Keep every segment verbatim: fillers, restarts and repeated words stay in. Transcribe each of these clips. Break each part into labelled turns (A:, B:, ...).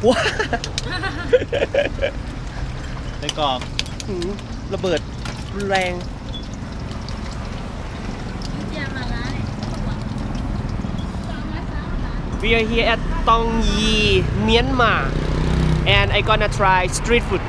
A: ว้า
B: ไปกรอก
A: ระเบิดรุนแรง We are here at Tong Yi, Myanmar, and I gonna try street food.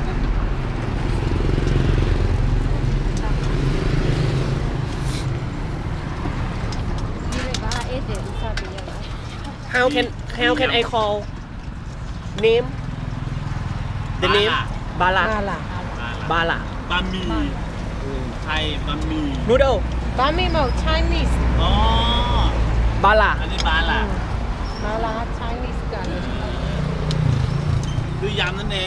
A: How can how can I call name? The name Bala.
C: Bala.
A: Bala.
B: บะหมี่ไทยบะหมี่
A: Noodle.
C: Bami Mo Chinese.
B: อ๋อ
A: Bala.
B: อันนี้บาล่ะ
C: Mala Chinese กัน
B: คือยำนั่นเอง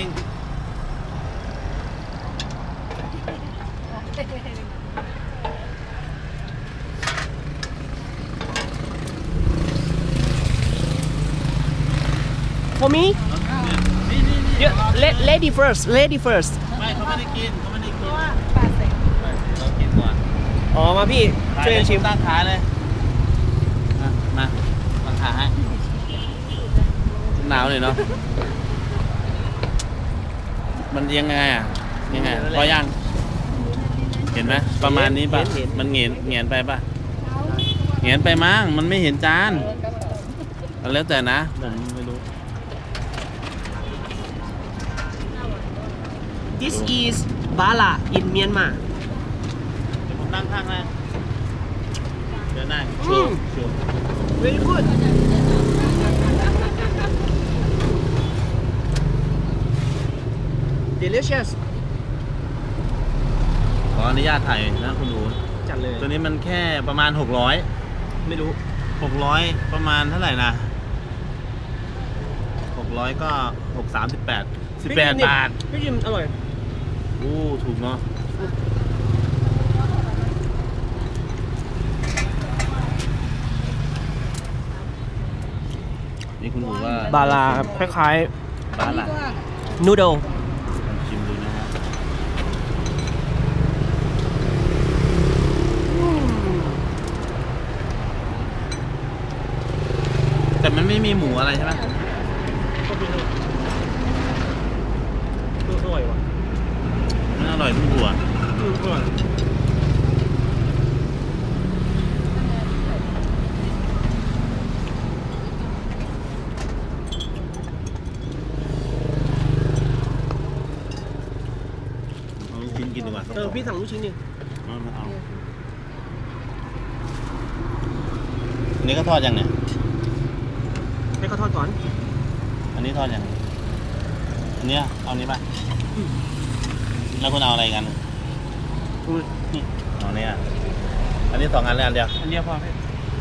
A: For me?
B: นี่นี่นี่
A: Yeah, la- lady first. Lady first.
B: ไม่เขาไม่ได้กินเขาไม่ได้กิน
C: ปาเซ็ง
B: เรากินก่อน
A: อ๋อมาพี่ช่วยกันชิม
B: ตั้งขาเลยมามาตั้งขาให้หนาวเลยเนาะมันยังไงอ่ะยังไงพอยังเห็นไหมประมาณนี้ป่ะมันเหงียนเหงียนไปป่ะเหงียนไปมั้งมันไม่เห็นจานแล้วแต่นะผมไม่รู้
A: This is Bala in Myanmar.
B: เดี๋ยวผมนั่งข้างนะเดี๋ยวนั่ง
A: อืม
B: ชัวร์
A: Very good. Delicious.
B: ขออนุญาตถ่ายนะคุณหนู
A: จัดเลย
B: ตัวนี้มันแค่ประมาณหกร้อย
A: ไม่รู้
B: หกร้อยประมาณเท่าไหร่นะหกร้อยก็หกสามสิบแปดสิบแปดบาท
A: พี่จิมอร่อย
B: โอ้ถูกเนาะนี่คุณหนูว่า
A: บาลาคล้าย
B: บาล่ะ
A: ๆ noodle
B: ลองชิมดูนะฮะแต่มันไม่มีหมูอะไรใช่ไหม
A: อร่อยว่ะ
B: มันอร่อยทุกตัว
A: อร่อย
B: เอาลูกชิ้นกินดีกว่า
A: เออพี่สั่งลูกชิ้นดิ
B: เอามาเอาอันนี้ก็ทอดยังเนี่ย
A: ให้เขาทอดก่อน
B: อันนี้ทอดยังอันเนี้ยเอานี้ป่ะแล้วคุณเอาอะไรกัน
A: อุ้ย
B: นี่เอาเนี้ยอันนี้สองอันเลยอันเดียว
A: อันเดียวพอพี่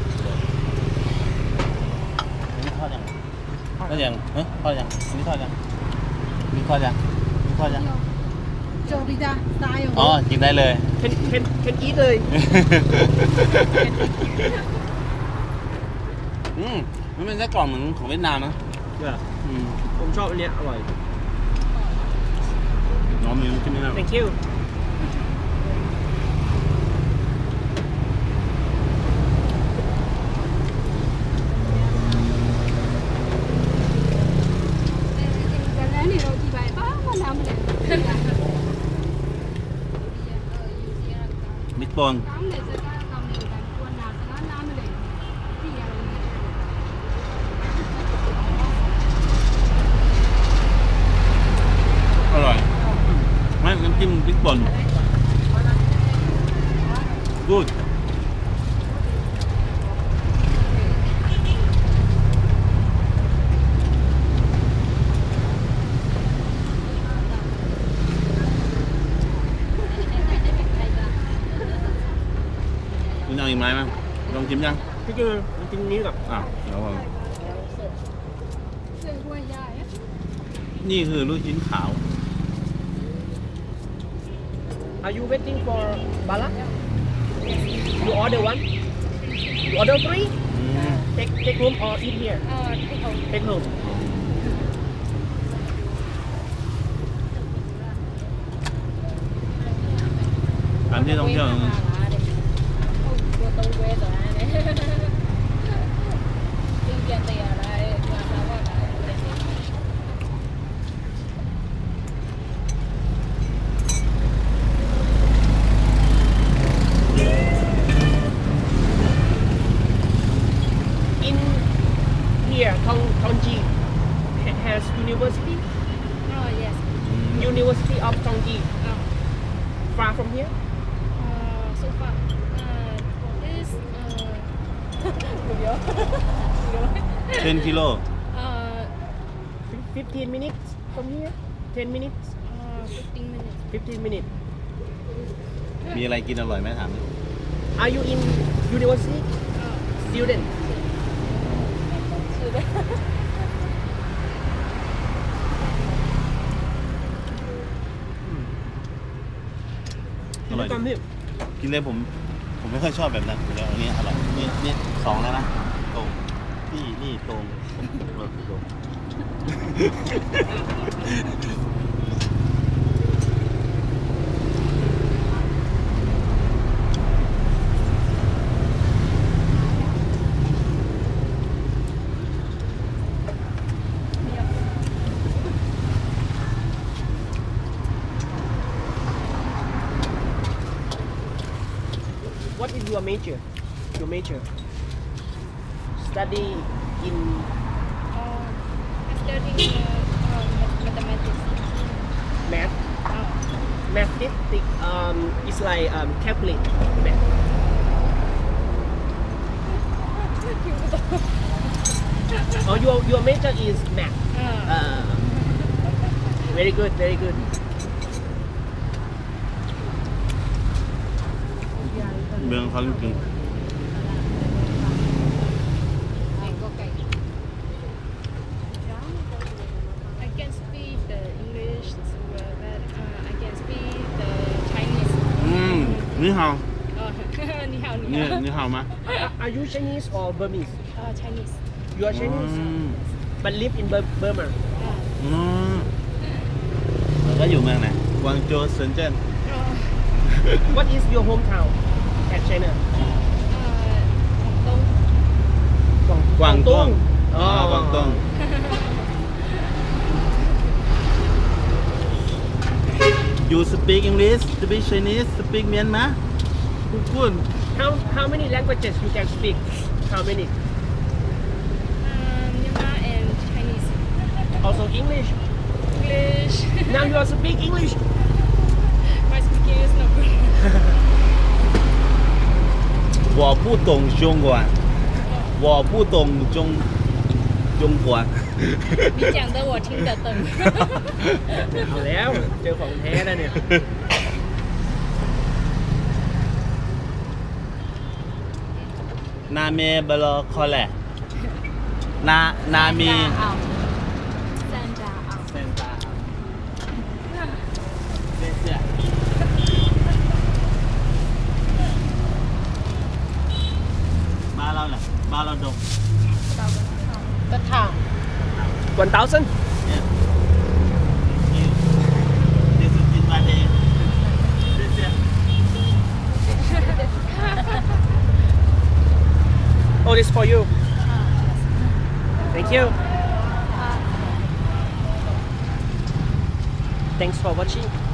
B: อันนี้ทอดยังทอดยังเฮ้ยทอดยังอันนี้ทอดยังอันนี้ทอดยังอันนี้ทอดยัง
C: โจบิดาตายอยู่
B: อ๋อกินได้เลย
A: เคนเคนเคนอีทเลย
B: อืมมันเป็นไส้กรอกเหมือนของเวียดนามนะ
A: เนี่ย
B: อืม
A: ผมชอบอันเนี้ยอร่อย
B: น้องมีลูกชิ้นไหมครับ
A: thank you
B: มิตรปนอร่อยไม่น้ำจิ้มพริกป่นกูดคุณเอาอีกไหมมั้งลองชิมยัง
A: พี่จิมมันกินนี้กับ
B: อ่ะเดี๋ยวผมนี่คือลูกชิ้นขาว
A: Are you waiting for Bala you order one you order three
B: อืม
A: take take home or eat here take home
B: อันที่ต้องเที่ยว
C: เ
A: University
D: Oh, yes.
A: University of Chongqing
D: Oh,
A: far from here
D: uh, so far. Uh, this, uh,
B: 10 กิโล
D: uh,
A: fifteen minutes from here ten minutes
D: uh, fifteen minutes.
A: fifteen minutes
B: มีอะไรกินอร่อยไหมถามดิ
A: Are you in university
D: Uh,
A: student
D: so that-
B: อร่อย
A: กินด้วยกันพี่
B: กินเลยผม ผมไม่ค่อยชอบแบบนั้นเดี๋ยวอันนี้อร่อยนี่นี่สองแล้วนะตรงนี่นี่ตรงตรงตรง
A: What is your major your major study in
D: uh, I'm studying uh, um, mathematics.
A: math
D: Oh,
A: mathematics um is like um calculate math oh your your major is math
D: uh,
A: uh, very good very good
B: เมืองเขาจริง
D: okay. I can speak the English, uh, but uh, I can speak the Chinese.
B: ๆอืมนี่เฮา
D: Uh, 你好，你
B: นี่
D: 好。
B: นี่เฮามา
A: are, are you Chinese or Burmese
D: Uh, Chinese.
A: you are Chinese
B: อืม
A: but live in Bur- Burma
D: Uh,
B: อืมแล้วก็อยู่เมืองไหนกวางโจวเซินเจิ้น
D: uh,
A: what is your hometown at China
D: uh, Dong.
B: กวางตุ้ง
A: อ๋
B: อ๋
A: อ
B: อกวางตุ้ง You speak English speak Chinese speak Myanmar good
A: how how many languages you can speak how many
D: Um, Myanmar and Chinese.
A: also English
D: English.
A: now you are speak English
D: My speaking is not good.
B: 我不懂中文我不懂中中国
D: 你讲的我听得懂。
A: เอาแล้วเจอของแท้แล้วเนี่ย
B: นาเมบลอคอแลนานามี
D: 三扎奥。
B: เซนตาเสียเสียบ้านเราแหละบ้านเราดง
C: The town.
A: one thousand
B: Yeah. You. This is in my day. This is.
A: oh this for you thank you thanks for watching